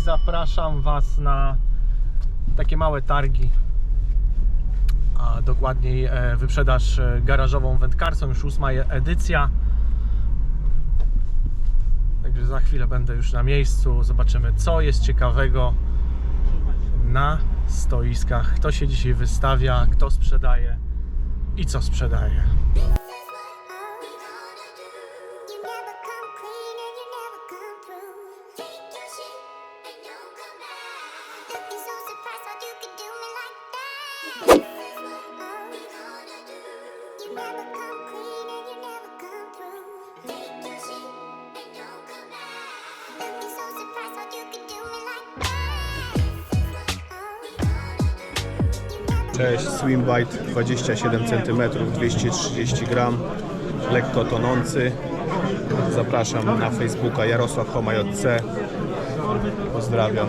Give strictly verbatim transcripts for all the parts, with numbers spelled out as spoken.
zapraszam Was na takie małe targi, a dokładniej wyprzedaż garażową wędkarską, już ósma edycja. Także za chwilę będę już na miejscu, zobaczymy co jest ciekawego na stoiskach, kto się dzisiaj wystawia, kto sprzedaje i co sprzedaje. Cześć, Swimbite dwadzieścia siedem centymetrów, dwieście trzydzieści gram, lekko tonący. Zapraszam na Facebooka Jarosław Homa J C. Pozdrawiam.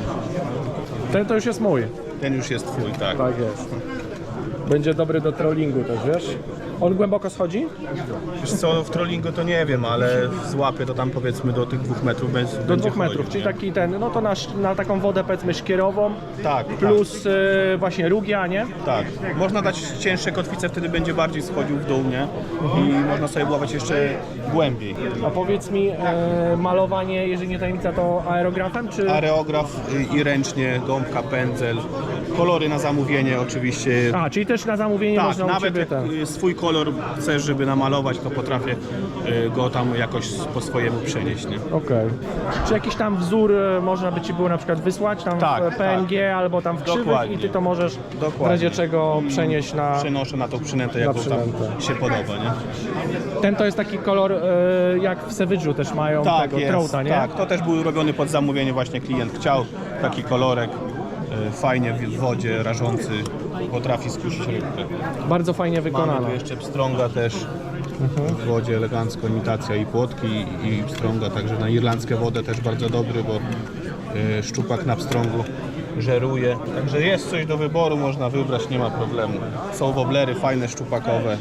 Ten to już jest mój. Ten już jest twój, tak? Tak jest. Będzie dobry do trollingu też, wiesz? On głęboko schodzi? Wiesz co, w trollingu to nie wiem, ale w złapie to tam powiedzmy do tych dwóch metrów będzie. Do dwóch metrów, chodzić, czyli nie? Taki ten, no to na, na taką wodę powiedzmy szkierową, tak, plus tak. Y, właśnie rugia, nie? Tak, można dać cięższe kotwice, wtedy będzie bardziej schodził w dół, nie? I mhm. można sobie ławać jeszcze głębiej. A powiedz mi, y, malowanie, jeżeli nie tajemnica, to aerografem, czy? Aerograf i, i ręcznie, gąbka, pędzel, kolory na zamówienie oczywiście. A, czyli też na zamówienie tak, można nawet u Ciebie jak ten... swój kolor chcesz, żeby namalować, to potrafię go tam jakoś po swojemu przenieść, nie? Okej. Okay. Czy jakiś tam wzór można by Ci było na przykład wysłać tam tak, w P N G tak. albo tam w krzywych Dokładnie. I Ty to możesz Dokładnie. w razie czego przenieść na... Przenoszę na tą przynętę, jaką tam się podoba, nie? Ten to jest taki kolor jak w Savage'u też mają tak, tego jest, trouta, nie? Tak, to też był robiony pod zamówienie, właśnie klient chciał taki kolorek. Fajnie w wodzie, rażący, potrafi skusić rybkę. Bardzo fajnie wykonana. Mamy tu jeszcze pstrąga też mhm. w wodzie, elegancko, imitacja i płotki i pstrąga, także na irlandzkie wodę też bardzo dobry, bo y, szczupak na pstrągu żeruje. Także jest coś do wyboru, można wybrać, nie ma problemu. Są woblery fajne, szczupakowe.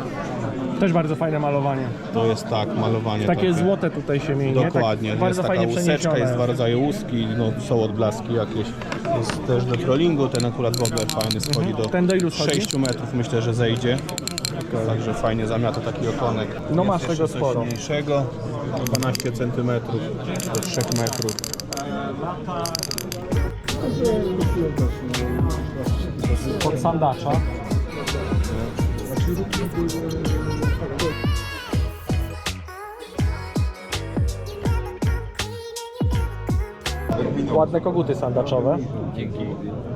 Też bardzo fajne malowanie. To jest tak, malowanie. Takie, takie złote tutaj się mieni. Dokładnie, tak, jest bardzo taka fajnie łuseczka, jest dwa rodzaje łuski, no, są odblaski jakieś. Jest też do trollingu, ten akurat wobler fajny schodzi mhm. do, ten do ilu sześciu metrów, myślę, że zejdzie. Okay. Także fajnie zamiata taki okonek. No jest masz tego sporo. Mniejszego, dwanaście centymetrów do trzech metrów. Pod sandacza. Ładne koguty sandaczowe. Dzięki.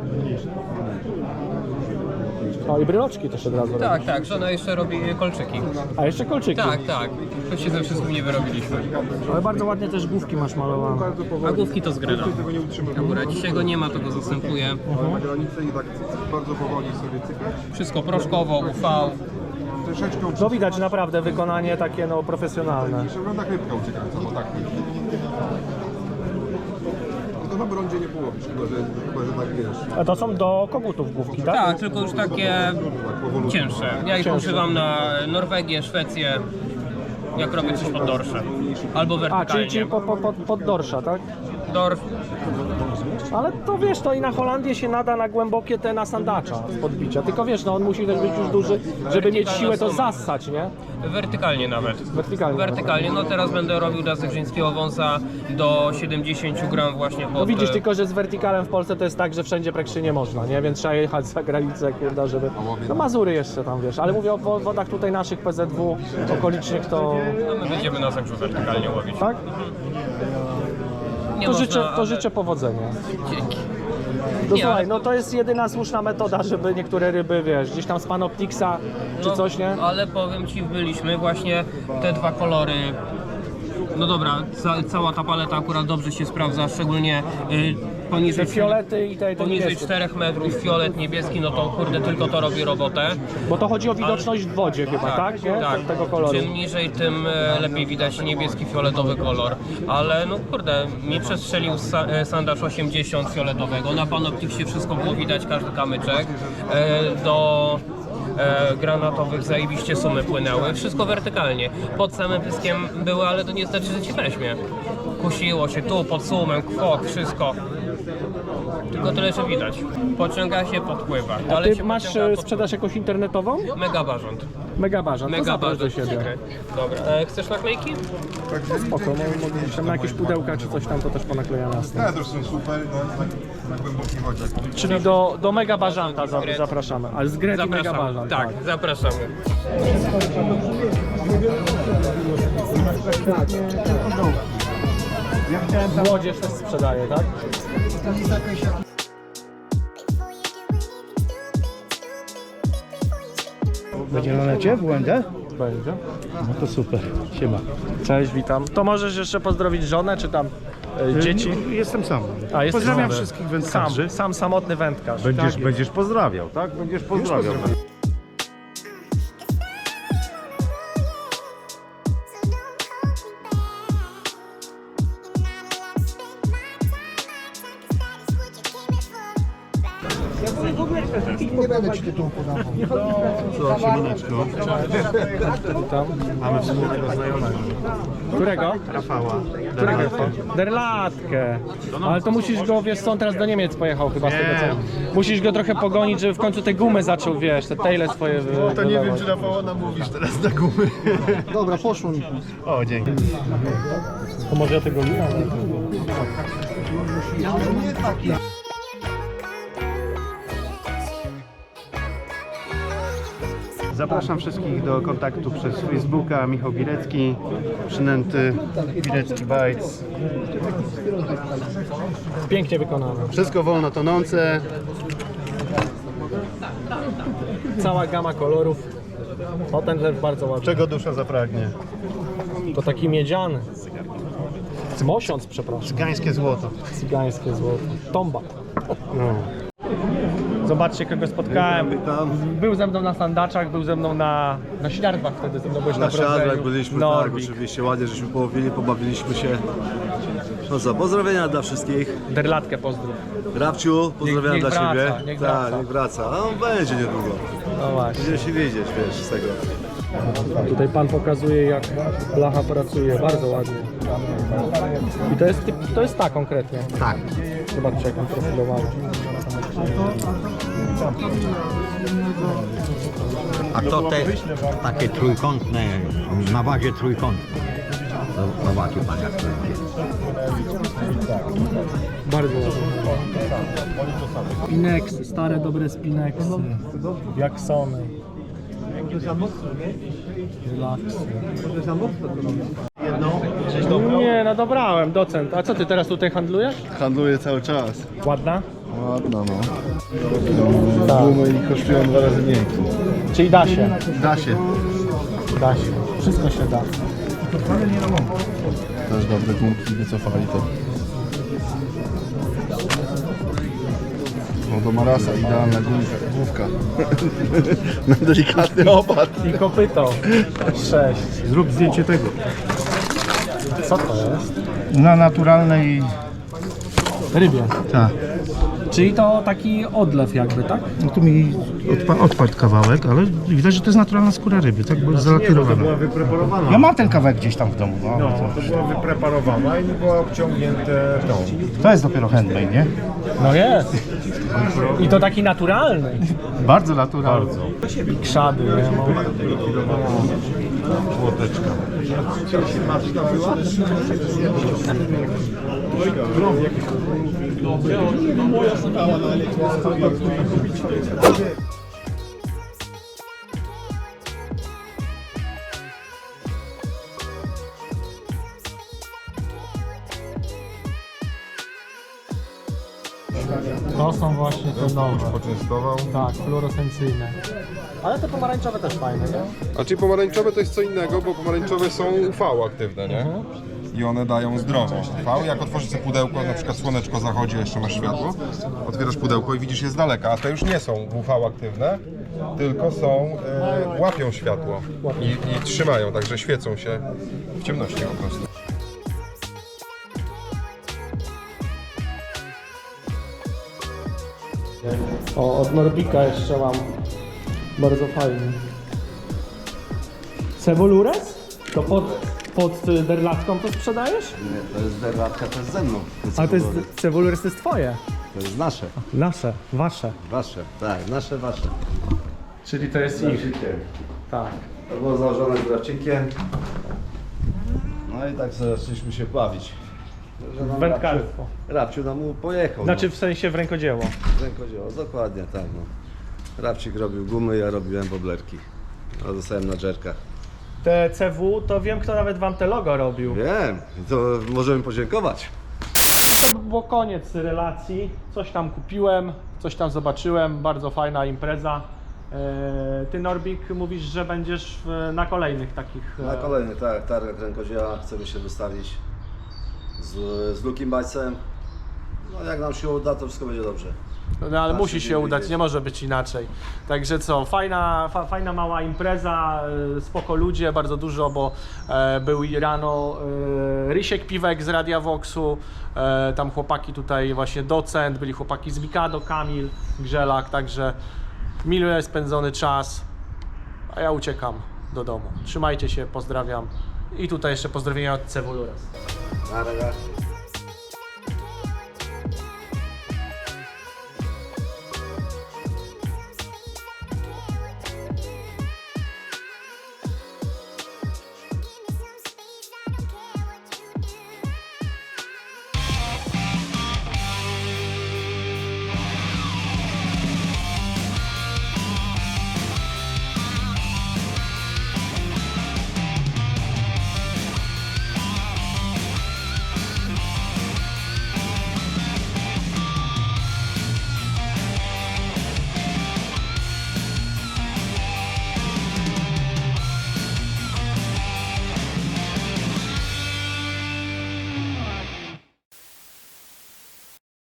O i bryloczki też od razu Tak, robisz. tak, żona jeszcze robi kolczyki. A jeszcze kolczyki. Tak, tak. To się ze wszystkim nie wyrobiliśmy. Ale bardzo ładnie też główki masz malowane. A główki to z gryna. Akurat dzisiaj go nie ma, to go zastępuje. Na granicę i tak bardzo powoli sobie cykać. Wszystko proszkowo, U V. Troszeczkę No widać naprawdę wykonanie takie no profesjonalne. wygląda jak rybka uciekająca, bo tak. To na brądzie nie połowisz, chyba że, chyba, że tak wiesz. A to są do kogutów główki, tak? Tak, tylko już takie cięższe. Ja ich używam na Norwegię, Szwecję, jak robię coś pod dorsze. Albo A, wertykalnie. czyli, czyli pod, pod, pod dorsza, tak? Dorf. Ale to wiesz, to i na Holandię się nada na głębokie te na sandacza z podbicia. Tylko wiesz, no on musi też być już duży, żeby mieć siłę to zassać, nie? Wertykalnie nawet. Wertykalnie. Wertykalnie. No teraz będę robił dla zegrzyńskiego wąsa do siedemdziesięciu gram właśnie pod... No widzisz, tylko że z wertykalem w Polsce to jest tak, że wszędzie praktycznie nie można, nie? Więc trzeba jechać za granicę, kurde, żeby... No Mazury jeszcze tam, wiesz, ale mówię o wodach tutaj naszych P Z W okolicznych to... No my będziemy na zegrzu wertykalnie łowić. Tak? Nie To, można, życzę, to ale... życzę powodzenia. Dzięki. No Nie, słuchaj, ale- no to jest jedyna słuszna metoda, żeby niektóre ryby, wiesz, gdzieś tam z Panoptixa czy No, coś, nie? ale powiem Ci, byliśmy właśnie te dwa kolory. No dobra, ca cała ta paleta akurat dobrze się sprawdza, szczególnie y, poniżej, Te fiolety i te, te poniżej niebieskie. czterech metrów, fiolet niebieski, no to kurde tylko to robi robotę. Bo to chodzi o widoczność w wodzie chyba, tak? Nie? tak. Tego koloru. Czym niżej, tym e, lepiej widać niebieski, fioletowy kolor. Ale no kurde, mi przestrzelił sa e, sandacz osiemdziesiąt fioletowego. Na Panoptixie wszystko było widać, każdy kamyczek. E, do e, granatowych zajebiście sumy płynęły. Wszystko wertykalnie. Pod samym pyskiem były, ale to nie znaczy, że ci weźmie. Kusiło się tu, pod sumem, kwok, wszystko. Tylko tyle, że widać. Pociąga się, podpływa. A Dalej ty się masz pociąga, e, podpływa. sprzedaż jakąś internetową? Mega barząd. Mega bażant, to Mega zaproś do barząd. siebie. Okej. Dobra, e, chcesz naklejki? Spoko, mo- mogę gdzieś tam na jakieś pudełka czy coś tam, to też ponaklejam jasne. Ja też są super, no na, na głębokiej wodzie. Czyli do, do Mega Bażanta za, zapraszamy, ale z Greti Mega Zapraszamy. Bażant. Tak, zapraszamy. Młodzież też sprzedaje, tak? Będzie na necie w U N D? Będzie. No to super, siema. Cześć, witam. To możesz jeszcze pozdrowić żonę, czy tam e, dzieci? Jestem sam. A, jesteś Pozdrawiam sam. wszystkich wędkarzy. Sam, sam samotny wędkarz. Będziesz, Tak. będziesz pozdrawiał, tak? Będziesz pozdrawiał. Nie będę ci tytułu podawał. Witam. Mamy wspólnego znajomego. Którego? Rafała. Którego? Derlatkę. Ale to musisz go, wiesz co, on teraz do Niemiec pojechał chyba z tego co. Musisz go trochę pogonić, żeby w końcu te gumy zaczął, wiesz, te taile swoje wy, To nie wiem, wylewać. czy Rafała namówisz teraz na gumy. Dobra, poszło mi. O, dzięki. To może ja tego nie Zapraszam wszystkich do kontaktu przez Facebooka. Michał Bilecki, przynęty Bilecki Bites. Pięknie wykonane. Wszystko wolno tonące. Cała gama kolorów. O, ten też bardzo ładny. Czego dusza zapragnie. To taki miedziany. Mosiąc, przepraszam. Gańskie złoto. Cygańskie złoto. Tomba. No. Zobaczcie, kogo spotkałem. Był ze mną na sandaczach, był ze mną na, na śniardwach wtedy, ze mną byłeś na, Na siadrach Broadwayu. byliśmy, tak, Norwik. oczywiście, ładnie żeśmy połowili, pobawiliśmy się. No co, pozdrowienia dla wszystkich. Derlatkę pozdrów. Rabciu, pozdrowienia niech dla wraca, Ciebie. niech Tak, wraca. niech wraca. A on będzie niedługo. No właśnie. Będziemy się widzieć, wiesz, z tego. Tutaj pan pokazuje, jak blacha pracuje, bardzo ładnie. I to jest, typ, to jest ta konkretnie. Tak. Zobaczcie, jak on profilowany. A to te takie trójkątne, na bazie trójkątnej. Zobaczy pan jak to idzie. Bardzo ładnie. Spineksy, stare dobre spineksy. Jacksony. Relaxy. Nie, no dobrałem, docent. A co ty teraz tutaj handlujesz? Handluję cały czas. Ładna? Ładno, no. Gumy i kosztują dwa razy mniej. Czyli da się. Da się. Da się. Wszystko się da. Też dobre gumki, wycofali to. No do Marasa idealna gumka, główka. Na delikatny opad. I kopyto. Sześć. Zrób zdjęcie tego. Co to jest? Na naturalnej... Rybie. Tak. Czyli to taki odlew jakby, tak? No tu mi odpa odpadł kawałek, ale widać, że to jest naturalna skóra ryby, tak? Bo jest zalakierowana. Wypreparowana. Ja mam ten kawałek gdzieś tam w domu. No. No, to była wypreparowana i była obciągnięte tą. To jest dopiero handmade, nie? No jest. I to taki naturalny. Bardzo naturalny. I krzady, nie? No. Łoteczka. To są właśnie te nowe. Poczęstował. Tak, fluorescencyjne. Ale te pomarańczowe też fajne, nie? A czyli pomarańczowe to jest co innego, bo pomarańczowe są U V aktywne, nie? I one dają zdrowość. U V, jak otworzysz sobie pudełko, na przykład słoneczko zachodzi, a jeszcze masz światło, otwierasz pudełko i widzisz je z daleka, a te już nie są U V aktywne, tylko są, e, łapią światło i, i trzymają, także świecą się w ciemności po prostu. O, od Norbika jeszcze mam. Bardzo fajny. Cebulures? To pod... pod y, derlatką to sprzedajesz? Nie, to jest derlatka, to jest ze mną. Ale to jest, cebulores to jest twoje. To jest nasze, Nasze, wasze. wasze, tak, nasze, wasze. Czyli to jest ich. Tak. To było założone z Rawcikiem. No i tak sobie zaczęliśmy się bawić. Że nam Wędkarstwo. Rabciu- Rabciu nam mu pojechał. Znaczy w sensie w rękodzieło. no. Rękodzieło, dokładnie tak. No. Rabcik robił gumy, ja robiłem boblerki. A zostałem na dżerkach. Te C W, to wiem kto nawet wam te logo robił. Wiem, to możemy podziękować. To było koniec relacji. Coś tam kupiłem, coś tam zobaczyłem. Bardzo fajna impreza. E, Ty Norbik mówisz, że będziesz w, na kolejnych takich... Na e, kolejny tak, targach rękodzieła chcemy się wystawić z, z Lukim Bajcem. No jak nam się uda, to wszystko będzie dobrze. No ale Nasze musi się dzień udać, widzieć. nie może być inaczej. Także co, fajna, fa, fajna mała impreza, e, spoko ludzie, bardzo dużo, bo e, był i rano e, Rysiek Piwek z Radia Voxu, e, tam chłopaki tutaj właśnie docent, byli chłopaki z Mikado, Kamil, Grzelak, także miły spędzony czas, a ja uciekam do domu. Trzymajcie się, pozdrawiam i tutaj jeszcze pozdrowienia od Cebulures. Na razie.